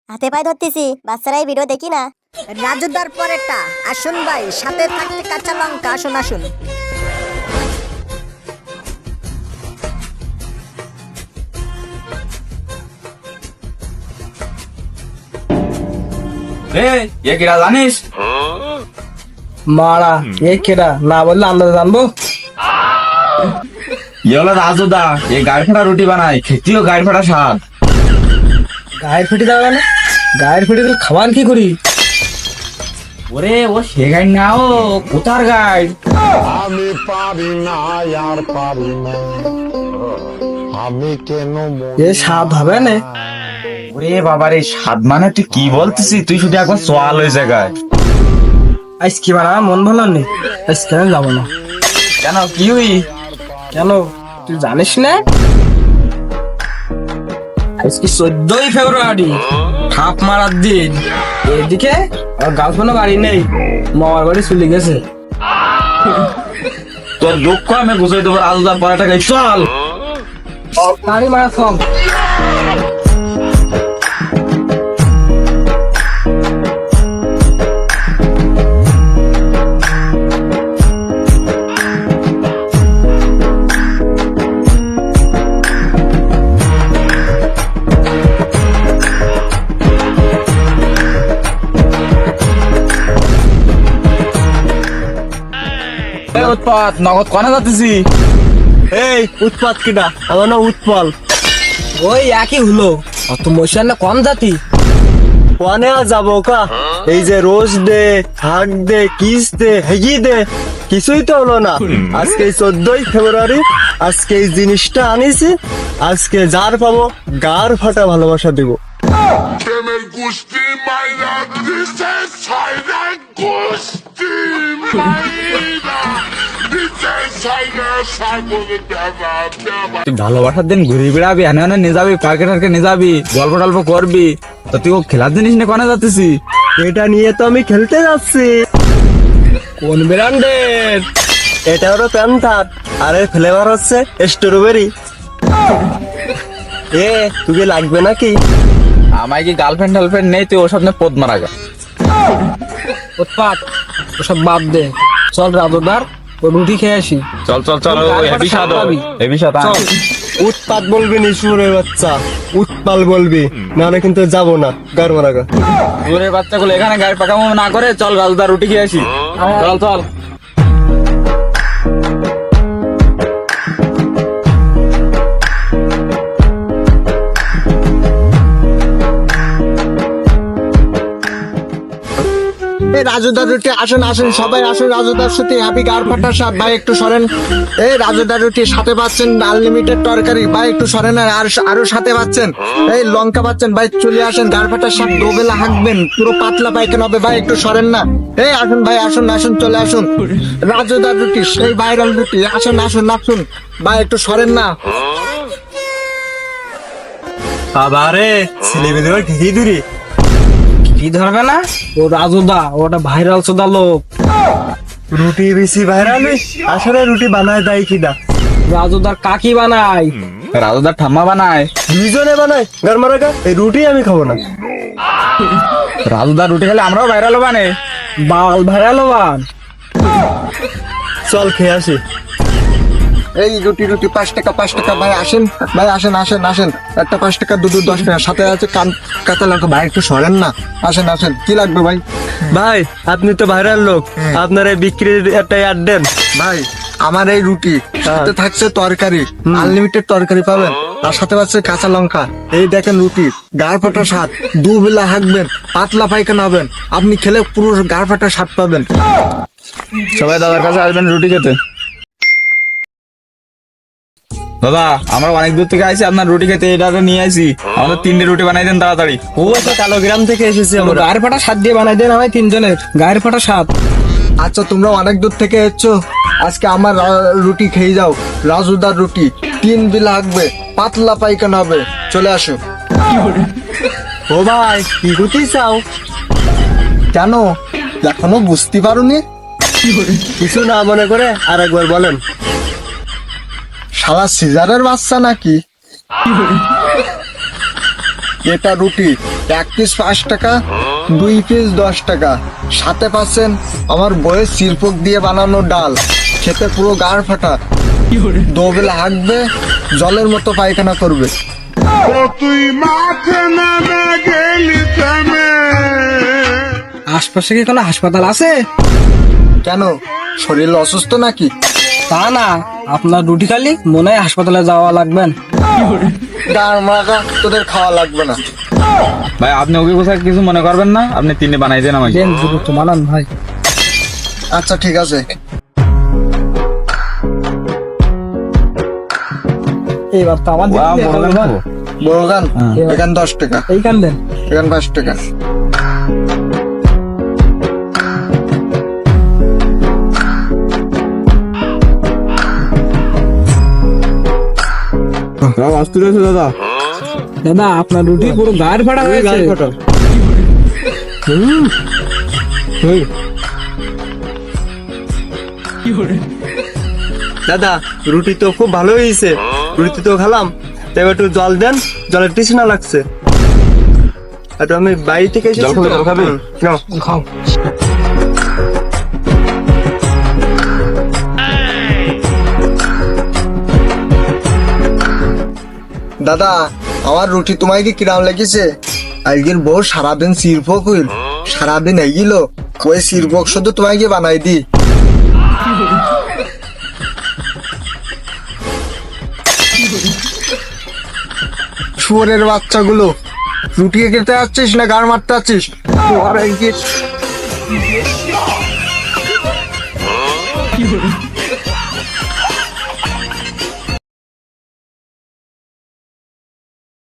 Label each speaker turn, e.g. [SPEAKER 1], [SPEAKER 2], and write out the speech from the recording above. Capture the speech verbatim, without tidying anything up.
[SPEAKER 1] হাতে পায়ে ধরতেছি, বাচ্চারা এই ভিডিও দেখি না।
[SPEAKER 2] রাজুদার পরেরটা আসুন ভাই, সাথে থাকতে কাঁচা লঙ্কা, আসুন আসুন।
[SPEAKER 3] এ কিরা জানিস?
[SPEAKER 4] মারা এ কেডা না বললে আমরা জানবো।
[SPEAKER 3] ইয়ে হলো রাজুদা, এই গাড়ি ফাটা রুটি বানায়, খেতেও গাড়ি ফাটা স্বাদ।
[SPEAKER 4] গায়ের ফেটে দেওয়া গেল, গায়ের ফেটে দিলে খাবার কি করি?
[SPEAKER 3] ওরে ও সে গাড়ি না, ও কোথার গাড়ি?
[SPEAKER 5] আমি পারি না আর পারি না, আমি কেন
[SPEAKER 4] এ স্বাদ হবে না।
[SPEAKER 3] ওরে বাবার এই স্বাদ মানে তুই কি বলতেছিস? তুই শুধু একবার সোয়াল ওই জায়গায়।
[SPEAKER 4] আজ কি বানা মন ভালো নেই, আজ কেন যাবো না।
[SPEAKER 3] কেন কি হই?
[SPEAKER 4] কেন তুই জানিস না আজকে চোদ্দই ফেব্রুয়ারি, ঠাপ মারার দিন। এদিকে আমার গার্লফ্রেন্ড বাড়ি নেই, মামার বাড়ি চলে গেছে।
[SPEAKER 3] তোর দুঃখ আমি বুঝাই দেবো। রাজুদার পরে টাকা চল
[SPEAKER 4] গাড়ি মারা সব।
[SPEAKER 3] উৎপাত নগদ কনে যাচ্ছি?
[SPEAKER 4] এই উৎপাত কিটা? আমার না উৎপল। ওই একই হলো, অত মশার না কম জাতি।
[SPEAKER 6] ওয়ানে আর যাবো কা? এই যে রোজ দে, হাক দে, কিস দে, হেগি দে, কিছুই তো হলো না। আজকে চোদ্দই ফেব্রুয়ারি, আজকে এই জিনিসটা আনিছি, আজকে যার পাবো গার ফাটা ভালোবাসা দিব।
[SPEAKER 5] প্রেমের গোষ্ঠী মাইরা দিছে, ছাইরা গোষ্ঠী মাইরা দিছে, ছাইরা সাগরে দেবা দেবা।
[SPEAKER 3] তুই ভালোবাসার দিন ঘুরে বেড়াবি, এনে এনে নিয়ে যাবি, পার্কে টার্কে নিয়ে যাবি, গল্প টল্প করবি, তো তুই ও খেলার জিনিস নিয়ে কনে যাচ্ছিস?
[SPEAKER 6] এটা নিয়ে তো আমি খেলতে যাচ্ছি।
[SPEAKER 4] কোন ব্র্যান্ডের?
[SPEAKER 6] এটা হলো প্যান্থার, আর এর ফ্লেভার হচ্ছে স্ট্রবেরি। এ তুই লাগবে নাকি?
[SPEAKER 3] আমায় কি গার্লফ্রেন্ড টার্লফ্রেন্ড নেই, তুই ওসব নিয়ে পদ মারা গা।
[SPEAKER 4] উৎপাত ওসব বাদ দে, চল রাজুদার ও রুটি খেয়ে আসি।
[SPEAKER 3] চল চল চল, হেভি স্বাদ, হেভি স্বাদ।
[SPEAKER 4] চল।
[SPEAKER 6] উৎপাত বলবি নি সুরের বাচ্চা, উৎপাল বলবি, নাহলে কিন্তু যাবো না গার মারাগা।
[SPEAKER 3] দূরের বাচ্চাগুলো এখানে গাড়ি পাকামো না করে চল রাজুদার রুটি খেয়ে আসি। চল চল।
[SPEAKER 6] এই রাজুদার রুটি আসুন আসুন সবাই আসুন, রাজুদার সাথে হ্যাপি গার ফাটার স্বাদ। ভাই একটু সরেন। এই রাজুদার রুটি সাথে পাচ্ছেন আনলিমিটেড তরকারি, ভাই একটু সরেন। আর আরো সাথে পাচ্ছেন এই লঙ্কা পাচ্ছেন, ভাই চলে আসেন। গার ফাটার স্বাদ দোবেলা হাঁকবেন, পুরো পাতলা পায়খানা হবে। ভাই একটু সরেন না। এই আসুন ভাই, আসুন আসুন, চলে আসুন। রাজুদার রুটি সেই ভাইরাল রুটি, আসুন আসুন আসুন, ভাই একটু সরেন না। বাবারে ছেলে মেয়েদের ঘি দূরি
[SPEAKER 4] কি ধরবে না? ও রাজুদা, ওটা ভাইরাল সোদা লোক।
[SPEAKER 6] রুটি বেশি ভাইরাল, আসলে রুটি বানায় দেয় কিনা?
[SPEAKER 4] রাজুদার কাকি বানায়।
[SPEAKER 3] রাজুদার ঠাম্মা বানায়।
[SPEAKER 6] দুইজনে বানায় গার মারাগা। এই রুটি আমি খাবো না।
[SPEAKER 3] রাজুদার রুটি খেলে আমরাও ভাইরাল বানে।
[SPEAKER 4] বাল ভাইরাল বান।
[SPEAKER 6] চল খেয়ে আসি।
[SPEAKER 7] এই রুটি রুটি পাঁচ টাকা পাঁচ টাকা, ভাই আসেন ভাই, আসেন আসেন আসেন, একটা পাঁচ টাকা দুটো দশ টাকা, সাথে আছে কান কাঁচা লঙ্কা। ভাই একটু সরেন না, আসেন আসেন, কি লাগবে ভাই?
[SPEAKER 6] ভাই আপনি তো ভাইরাল লোক, আপনার এই বিক্রির একটা অ্যাড দেন।
[SPEAKER 7] ভাই আমার এই রুটি সাথে থাকছে তরকারি, আনলিমিটেড তরকারি পাবেন, আর সাথে পাচ্ছে কাঁচা লঙ্কা। এই দেখেন রুটি, গাড় ফাটা স্বাদ, দুবেলা হাঁকবেন, পাতলা পায়খানা হবেন, আপনি খেলে পুরো গাড় ফাটা স্বাদ পাবেন।
[SPEAKER 3] সবাই দাদার কাছে আসবেন রুটি খেতে। দাদা আমরা অনেক দূর থেকে আইছি, আপনার রুটি খেতে এটা নিয়ে আইছি। আমাদের তিনটে রুটি বানাই দেন তাড়াতাড়ি।
[SPEAKER 6] ও আচ্ছা, কালো গ্রাম থেকে এসেছি আমরা।
[SPEAKER 4] গায়ের ফাটা স্বাদ দিয়ে বানাই দেন আমায় তিনজনের গায়ের ফাটা স্বাদ।
[SPEAKER 7] আচ্ছা তোমরা অনেক দূর থেকে এসছো, আজকে আমার রা- রুটি খেয়ে যাও। রাজুদার রুটি তিন বেলা হাঁকবে, পাতলা পায়খানা হবে, চলে আসো।
[SPEAKER 6] ও ভাই কি রুটি চাও?
[SPEAKER 7] কেন এখনো বুঝতে পারোনি?
[SPEAKER 6] কিছু না মনে করে আর একবার বলেন।
[SPEAKER 7] শালা সিজারের বাচ্চা নাকি? এটা রুটি,
[SPEAKER 6] এক পিস পাঁচ টাকা, দুই পিস দশ টাকা, সাথে পাচ্ছেন আমার বইয়ের শিল্পক দিয়ে বানানো ডাল, খেতে পুরো গাড় ফাটা, দোবেলা হাঁকবে, জলের মতো পায়খানা করবে।
[SPEAKER 5] ও তুই মাঠে নেমে গেলি থেমে
[SPEAKER 4] আশপাশে কি কোনো হাসপাতাল আছে?
[SPEAKER 6] কেন, শরীর অসুস্থ নাকি?
[SPEAKER 4] তা না, আপনার রুটি খালি মনে হয় হাসপাতালে যাওয়া লাগবেন।
[SPEAKER 6] গাড় মারা, তোদের খাওয়া লাগবে না।
[SPEAKER 3] ভাই আপনি ওকে কোথায় কিছু মনে করবেন না, আপনি তিনে বানাই দেন আমাকে।
[SPEAKER 4] দেন দ্রুত বানান ভাই।
[SPEAKER 6] আচ্ছা ঠিক আছে।
[SPEAKER 4] এইবার তো আমার
[SPEAKER 3] ওয়া, বড় গান খাবো।
[SPEAKER 6] বড় গান এখান দশ টাকা,
[SPEAKER 4] এই কান দেন।
[SPEAKER 6] এখান পাঁচ টাকা।
[SPEAKER 3] দাদা
[SPEAKER 4] দাদা আপনার রুটি পুরো গায়ের ফাটা হয়েছে।
[SPEAKER 8] দাদা রুটি তো খুব ভালো হয়েছে, রুটি তো খেলাম, তবে একটু জল দেন, জলের তৃষ্ণা লাগছে। একটু আমি বাড়ি থেকে এসেছি
[SPEAKER 3] জল খাবে,
[SPEAKER 8] তো।
[SPEAKER 3] জল খাবে?
[SPEAKER 8] হুম, নাও।
[SPEAKER 4] খাও।
[SPEAKER 6] দাদা আমার রুটি তোমায় কি কিরাম লেগেছে? আজকের বউ সারাদিন শিল্পক হইল, সারাদিন এগিল, ওই শিল্পক শুধু তোমায় কি বানাই দি। শুয়োরের বাচ্চাগুলো, রুটি খেতে যাচ্ছিস না গাড় মারতে যাচ্ছিস? তোর এই কি-